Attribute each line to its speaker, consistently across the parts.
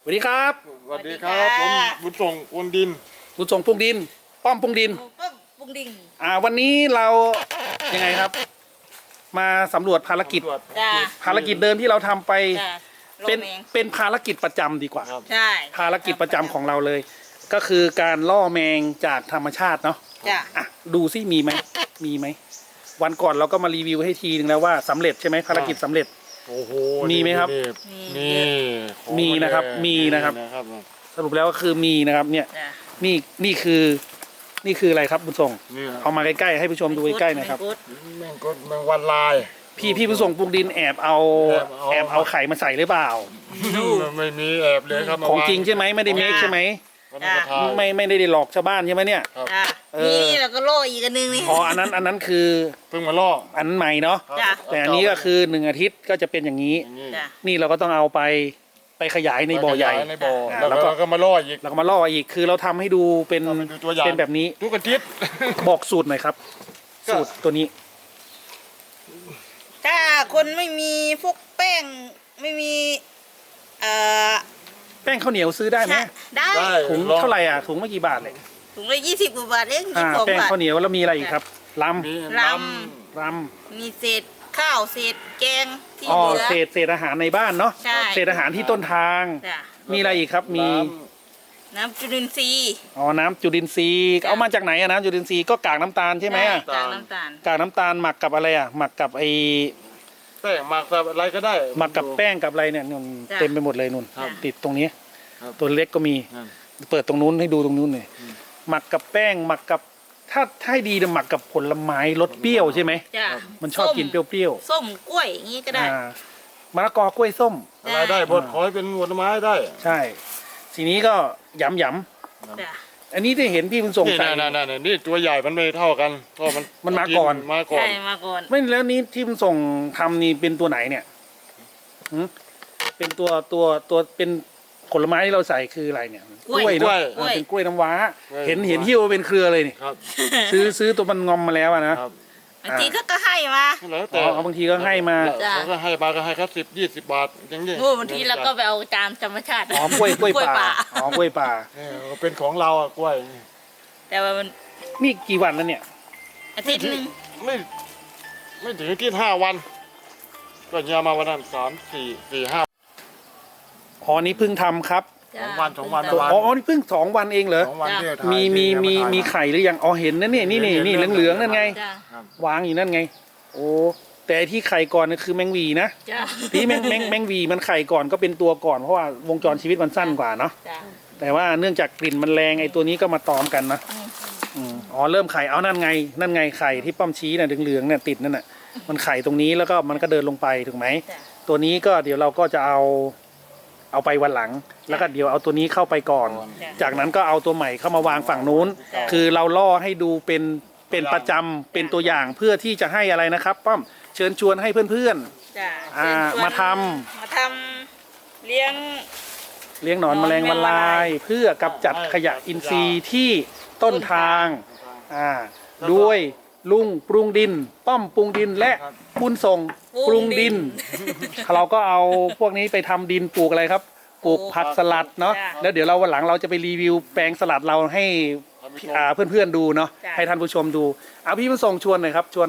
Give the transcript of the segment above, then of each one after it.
Speaker 1: สวัสดีครับ
Speaker 2: สวัสดีครับผมบุญส่งอุนดิน
Speaker 1: บุญส่งปรุงดินป้อมปรุงดิน
Speaker 3: ปรุงดิน
Speaker 1: วันนี้เรายังไงครับ มาสำรวจภารกิจภารกิจเดิมที่เราทำไปเป็นภารกิจประจำดีกว่า
Speaker 3: ใช่
Speaker 1: ภารกิจประจำของเราเลย ก็คือการล่อแมงจากธรรมชาติเนาะดูซิมีไหมวันก่อนเราก็มารีวิวให้ทีนึงแล้วว่าสำเร็จใช่ไหมภารกิจสำเร็จ
Speaker 2: โอ้โห
Speaker 1: มีไหมครับมีนะครับสรุปแล้วก็คือมีนะครับเนี่ยนี่คืออะไรครับบุญส่งเอามาใกล้ๆให้ผู้ชมดูใกล้ๆนะครับ
Speaker 2: แมงวันลาย
Speaker 1: พี่บุญส่งปรุงดินแอบเอาไข่มาใส่หรือเปล่า
Speaker 2: ไม่มีแอบเลยครับ
Speaker 1: ของจริงใช่ไหมไม่ได้เมคใช่ไหมไม่ได้หลอกชาวบ้านใช่ไหมเนี่ย
Speaker 3: นี่เราก็โล่อีกอันนึงนี่
Speaker 1: อันนั้นคือ
Speaker 2: เพิ่งมาล่อ
Speaker 1: อันใหม่เนาะแต่อันนี้ก็คือ1 อาทิตย์ก็จะเป็นอย่างนี้นี่เราก็ต้องเอาไปขยายในบ่อใหญ่
Speaker 2: แล้วก็มาล่ออีก
Speaker 1: คือเราทำให้ดูเป็นแบบนี้
Speaker 2: ทุกอาทิตย์
Speaker 1: บอกสูตรหน่อยครับสูตรตัวนี้
Speaker 3: ถ้าคนไม่มีพวกแป้งไม่มี
Speaker 1: แป้งข้าวเหนียวซื้อได้ไหม
Speaker 3: ได้
Speaker 1: ถุงเท่าไหร่ถุงไม่กี่บาทเลย
Speaker 3: ถุงละ20 กว่าบาทเอง
Speaker 1: แป้งข้าวเหนียวแล้วมีอะไรอีกครับล
Speaker 3: ำมีเศษข้าวเศษแกงที่เหลือ
Speaker 1: เศษอาหารในบ้านเนาะเศษอาหารที่ต้นทางมีอะไรอีกครับมี
Speaker 3: น้ำจุลินทรีย์
Speaker 1: น้ำจุลินทรีย์เอามาจากไหนน้ำจุลินทรีย์ก็กากน้ำตาลใช่ไหม
Speaker 3: กากน้ำ
Speaker 1: ตาลหมักกับอะไรหมักกับ
Speaker 2: แป้งหมักกับอะไรก็ได้
Speaker 1: หมักกับแป้งกับอะไรเนี่ยนุ่นเต็มไปหมดเลยนุ่นติดตรงนี้ตัวเล็กก็มีเปิดตรงนู้นให้ดูตรงนู้นเลยหมักกับแป้งหมักกับถ้าให้ดีจะหมักกับผลไม้รสเปรี้ยวใช่ไหมมันชอบกินเปรี้ยว
Speaker 3: ส้มกล้วยอย่างนี้ก็ได้
Speaker 1: มะละกอกล้วยส้ม
Speaker 2: อะไรได้บดขอให้เป็นผลไม้ได้
Speaker 1: ใช่ทีนี้ก็หยำอันนี้ที่เห็นพี่คุณส่งใส่
Speaker 2: นี่ตัวใหญ่มันไม่เท่ากันเพราะ
Speaker 1: มันมาก่อนไม่แล้วนี้ที่คุณส่งทำนี่เป็นตัวไหนเนี่ยเป็นตัวเป็นผลไม้ที่เราใส่คืออะไรเนี่ย
Speaker 3: กล้วยเนาะ
Speaker 1: เป็นกล้วยน้ำว้าเห็นหิ้วเป็นเครือเลยนี่ซื้อตัวมันงอมมาแล้วนะ
Speaker 3: บางทีก็ให้มา
Speaker 1: แต่บางทีก็ให้มา
Speaker 2: ก็ให้มาก็ให้ครับ10-20 บาทอย่างนี้
Speaker 3: บางทีเราก็ไปเอาตามธรรมชาติ
Speaker 1: กล้วยป่ากล้วยป่า
Speaker 2: เป็นของเรากล้วย
Speaker 3: แต่ว่ามัน
Speaker 1: นี่กี่วันแล้วเนี่ย
Speaker 3: อาทิตย์นึง
Speaker 2: ไม่ถึงอาทิตย์5 วันก็ยามาวันนั้น3-4-5
Speaker 1: นี่เพิ่งทำครับ
Speaker 2: 2 วัน
Speaker 1: นี่เพิ่ง2 วันเองเหรอมีไข่หรือยังเห็นนะเนี่ยนี่เหลืองๆนั่นไงวางอยู่นั่นไงโอ้แต่ที่ไข่ก่อนนี่คือแมงวีนะที่แมงวีมันไข่ก่อนก็เป็นตัวก่อนเพราะว่าวงจรชีวิตมันสั้นกว่าเนาะแต่ว่าเนื่องจากกลิ่นมันแรงตัวนี้ก็มาตอมกันนะเริ่มไข่นั่นไงไข่ที่ป้อมชี้น่ะเหลืองๆเนี่ยติดนั่นน่ะมันไข่ตรงนี้แล้วก็มันก็เดินลงไปถูกไหมตัวนี้ก็เดี๋ยวเราก็จะเอาไปวันหลังแล้วก็เดี๋ยวเอาตัวนี้เข้าไปก่อนจากนั้นก็เอาตัวใหม่เข้ามาวางฝั่งนู้นคือเราล่อให้ดูเป็นประจำเป็นตัวอย่างเพื่อที่จะให้อะไรนะครับป้อมเชิญชวนให้เพื่อนๆมาท
Speaker 3: ำเลี้ยง
Speaker 1: หนอนแมลงวันลายเพื่อกำจัดขยะอินทรีย์ที่ต้นทางด้วยลุงปรุงดินป้อมปรุงดินและบุญส่งปรุงดินเราก็เอาพวกนี้ไปทำดินปลูกอะไรครับปลูกผักสลัดเนาะแล้วเดี๋ยวเราวันหลังเราจะไปรีวิวแปลงสลัดเราให้เพื่อนๆดูเนาะให้ท่านผู้ชมดูพี่บุญส่งชวนหน่อยครับชวน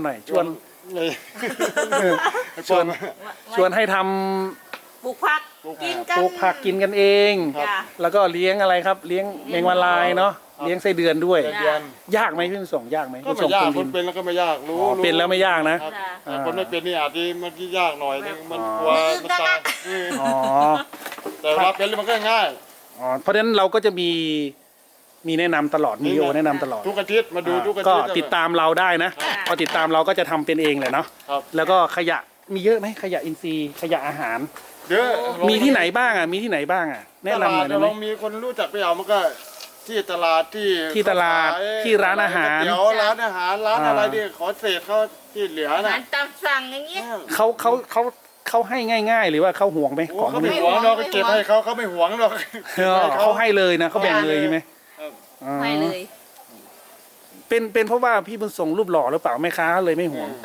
Speaker 1: ให้ทำ
Speaker 3: ปลูกผัก
Speaker 1: กินกันเองแล้วก็เลี้ยงอะไรครับเลี้ยงแมงวันลายเนาะเลี้ยงไส้เดือนด้วยยากไหมพี่บุญส่งยากไหม
Speaker 2: ก็ไม่ยากคนเป็นแล้วก็ไม่ยากรู้
Speaker 1: เป็นแล้วไม่ยากนะ
Speaker 2: คนไม่เป็นนี่อาจจะมันยากหน่อยนึงมันกลัวมันตายแต่ว่าเป็นแล้วมันก็ง่าย
Speaker 1: เพราะฉะนั้นเราก็จะมีแนะนำตลอดมีโอแนะนำตลอด
Speaker 2: ทุกอาทิตย์มาดูทุกอาทิตย์
Speaker 1: ก็ติดตามเราได้นะพอติดตามเราก็จะทำเป็นเองแหละเนาะแล้วก็ขยะมีเยอะไหมขยะอินทรีย์ขยะอาหาร
Speaker 2: เยอะ
Speaker 1: มีที่ไหนบ้างแนะนำหน่อยได้ไหม
Speaker 2: มีคนรู้จักไปเอามันก็ที่ตลาด
Speaker 1: ที่ร้านอาหาร
Speaker 2: เดี๋ยวร้านอาหารร้านอะไรดิขอเศษเขาที่เหลือน่ะ
Speaker 3: ตามสั่งอย่างเงี้ย
Speaker 1: เขาให้ง่ายๆหรือว่าเขาห่วงไหมของ
Speaker 2: เขาไม่ห่วงเราก็เก็บให้เขาไม่ห่วงหรอก
Speaker 1: เขาให้เลยนะเขาแบ่งเลยใช่ไหม
Speaker 3: ให้เลย
Speaker 1: เป็นเพราะว่าพี่บุญส่งรูปหล่อหรือเปล่าแม่ค้าเลยไม่ห่วง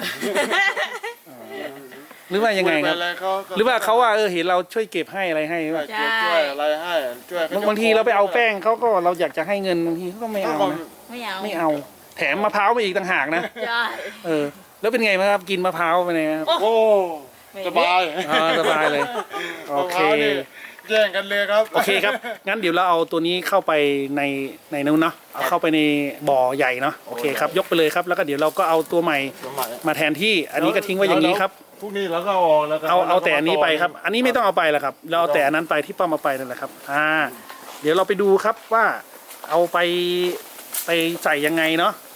Speaker 1: หรือว่ายังไงครับหรือว่าเขาว่าเห็นเราช่วยเก็บให้อะไรให้ว่า
Speaker 2: เก็บช่วยอะไรให้ช่วยกันยก
Speaker 1: บางทีเราไปเอาแป้งเขาก็เราอยากจะให้เงินบางทีเขาก็ไม่เอานะ
Speaker 3: ไม่เอา
Speaker 1: ไม่เอา แถมมะพร้าวมาอีกต่างหากนะ
Speaker 3: ใช่
Speaker 1: แล้วเป็นไงบ้างครับกินมะพร้าวไปเนี่ยครับ
Speaker 2: โอ้สบาย
Speaker 1: สบายเลยโอเค
Speaker 2: มะพร้าวนี่แย่งกันเลยครับ
Speaker 1: โอเคครับงั้นเดี๋ยวเราเอาตัวนี้เข้าไปในนู้นเนาะเอาเข้าไปในบ่อใหญ่เนาะโอเคครับยกไปเลยครับแล้วก็เดี๋ยวเราก็เอาตัวใหม่
Speaker 2: สมัย
Speaker 1: มาแทนที่อันนี้ก็ทิ้งไว้อย่างนี้ครับ
Speaker 2: พวกนี้เราก็เอาออกแล้วก็
Speaker 1: เอาแต่อันนี้ไปครับ อันนี้ไม่ต้องเอาไปแล้วครับ เราเอาแต่อันนั้นไปที่ป้ามาไปนั่นแหละครับ เดี๋ยวเราไปดูครับว่าเอาไปใส่ยังไงเนาะ